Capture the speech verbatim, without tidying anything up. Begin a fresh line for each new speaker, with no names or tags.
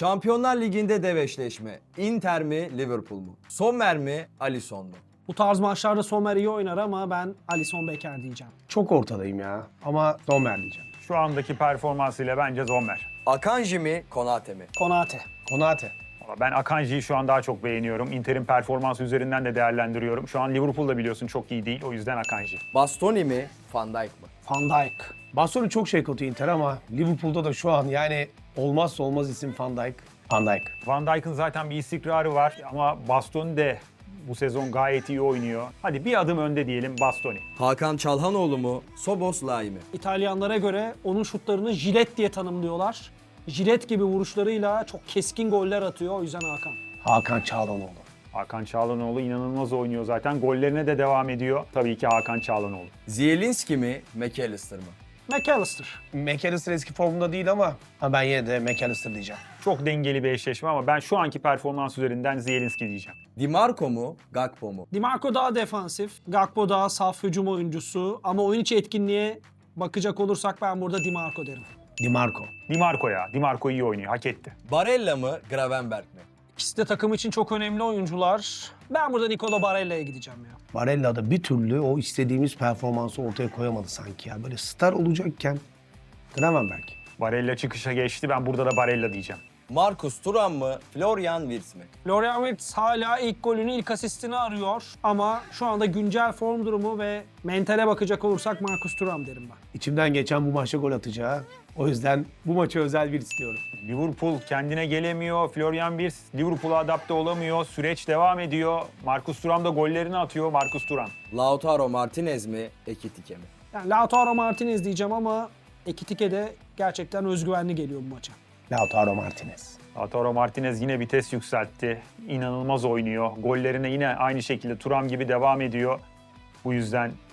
Şampiyonlar Ligi'nde dev eşleşme. Inter mi, Liverpool mu? Sommer mi, Alisson mu?
Bu tarz maçlarda Sommer iyi oynar ama ben Alisson Becker diyeceğim.
Çok ortadayım ya ama Sommer diyeceğim.
Şu andaki performansıyla bence Sommer.
Akanji mi, Konate mi?
Konate.
Konate.
Valla ben Akanji'yi şu an daha çok beğeniyorum. Inter'in performansı üzerinden de değerlendiriyorum. Şu an Liverpool'da biliyorsun çok iyi değil. O yüzden Akanji.
Bastoni mi, Van Dijk mı?
Van Dijk.
Bastoni çok şey kötü Inter ama Liverpool'da da şu an yani olmazsa olmaz isim Van Dijk. Van Dijk.
Van Dijk'ın zaten bir istikrarı var ama Bastoni de bu sezon gayet iyi oynuyor. Hadi bir adım önde diyelim Bastoni.
Hakan Çalhanoğlu mu, Szoboszlai mi?
İtalyanlara göre onun şutlarını jilet diye tanımlıyorlar. Jilet gibi vuruşlarıyla çok keskin goller atıyor. O yüzden Hakan.
Hakan Çalhanoğlu.
Hakan Çalhanoğlu inanılmaz oynuyor zaten. Gollerine de devam ediyor. Tabii ki Hakan Çalhanoğlu.
Zielinski mi, McAllister mı?
McAllister.
McAllister eski formunda değil ama ha ben yine de McAllister diyeceğim.
Çok dengeli bir eşleşme ama ben şu anki performans üzerinden Zielinski diyeceğim.
Di Marco mu, Gakpo mu?
Di Marco daha defansif. Gakpo daha saf hücum oyuncusu. Ama oyun içi etkinliğe bakacak olursak ben burada Di Marco derim.
Di Marco.
Di Marco ya. Di Marco iyi oynuyor. Hak etti.
Barella mı, Gravenberg mi?
İkisi de takım için çok önemli oyuncular. Ben burada Nicolo Barella'ya gideceğim ya.
Barella da bir türlü o istediğimiz performansı ortaya koyamadı sanki ya. Böyle star olacakken Gravenberg.
Barella çıkışa geçti. Ben burada da Barella diyeceğim.
Marcus Thuram mı, Florian Wirtz mi?
Florian Wirtz hala ilk golünü, ilk asistini arıyor. Ama şu anda güncel form durumu ve mentale bakacak olursak Marcus Thuram derim ben.
İçimden geçen bu maçta gol atacağı. O yüzden bu maça özel bir istiyorum.
Liverpool kendine gelemiyor. Florian Wirtz Liverpool'a adapte olamıyor. Süreç devam ediyor. Marcus Thuram da gollerini atıyor. Marcus Thuram.
Lautaro Martinez mi, Ekitike mi?
Yani Lautaro Martinez diyeceğim ama Ekitike de gerçekten özgüvenli geliyor bu maça.
Lautaro Martinez.
Lautaro Martinez yine vites yükseltti. İnanılmaz oynuyor. Gollerine yine aynı şekilde Thuram gibi devam ediyor. Bu yüzden